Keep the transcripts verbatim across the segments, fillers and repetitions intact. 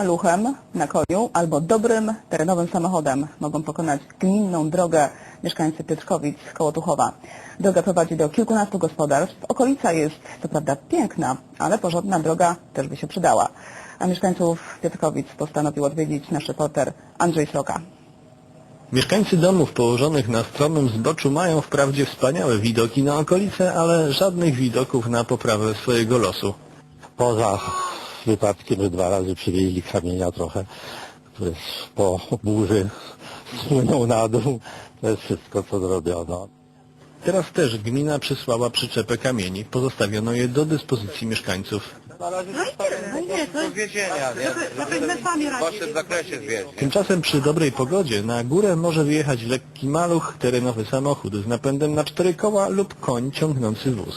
maluchem, na koniu albo dobrym terenowym samochodem mogą pokonać gminną drogę mieszkańcy Piotrkowic koło Tuchowa. Droga prowadzi do kilkunastu gospodarstw. Okolica jest co prawda piękna, ale porządna droga też by się przydała. A mieszkańców Piotrkowic postanowił odwiedzić nasz reporter Andrzej Sroka. Mieszkańcy domów położonych na stromym zboczu mają wprawdzie wspaniałe widoki na okolice, ale żadnych widoków na poprawę swojego losu. Poza wypadkiem, że dwa razy przywieźli kamienia trochę, który po burzy spłynął na dół. To jest wszystko, co zrobiono. Teraz też gmina przysłała przyczepę kamieni. Pozostawiono je do dyspozycji mieszkańców. No nie, to jest żebyśmy sami radzili. W zakresie zwierzę. Tymczasem przy dobrej pogodzie na górę może wyjechać lekki maluch, terenowy samochód z napędem na cztery koła lub koń ciągnący wóz.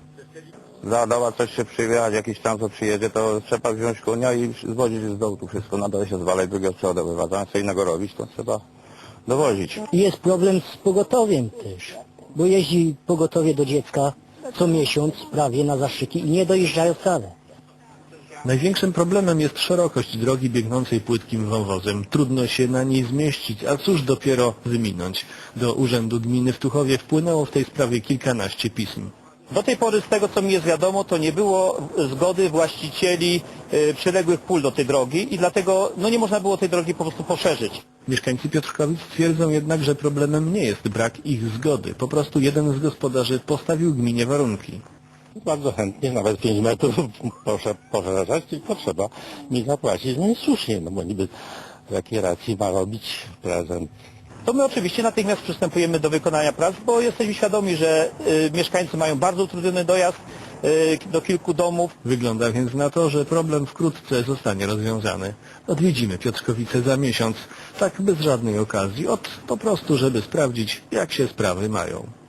Za doła coś się przywieźć, jakiś tam co przyjedzie, to trzeba wziąć konia i zwozić z dołu tu wszystko. Na dole się zwala i drugiego trzeba wywaza. Co innego robić, to trzeba dowozić. Jest problem z pogotowiem też, bo jeździ pogotowie do dziecka co miesiąc prawie na zastrzyki i nie dojeżdżają wcale. Największym problemem jest szerokość drogi biegnącej płytkim wąwozem. Trudno się na niej zmieścić, a cóż dopiero wyminąć. Do Urzędu Gminy w Tuchowie wpłynęło w tej sprawie kilkanaście pism. Do tej pory, z tego co mi jest wiadomo, to nie było zgody właścicieli y, przyległych pól do tej drogi i dlatego no, nie można było tej drogi po prostu poszerzyć. Mieszkańcy Piotrkowic twierdzą jednak, że problemem nie jest brak ich zgody. Po prostu jeden z gospodarzy postawił gminie warunki. Bardzo chętnie, nawet pięć metrów proszę poszerzać, tylko trzeba mi zapłacić. No i słusznie, no bo niby z jakiej racji ma robić prezent. To my oczywiście natychmiast przystępujemy do wykonania prac, bo jesteśmy świadomi, że y, mieszkańcy mają bardzo utrudniony dojazd y, do kilku domów. Wygląda więc na to, że problem wkrótce zostanie rozwiązany. Odwiedzimy Piotrkowice za miesiąc, tak bez żadnej okazji, od po prostu, żeby sprawdzić, jak się sprawy mają.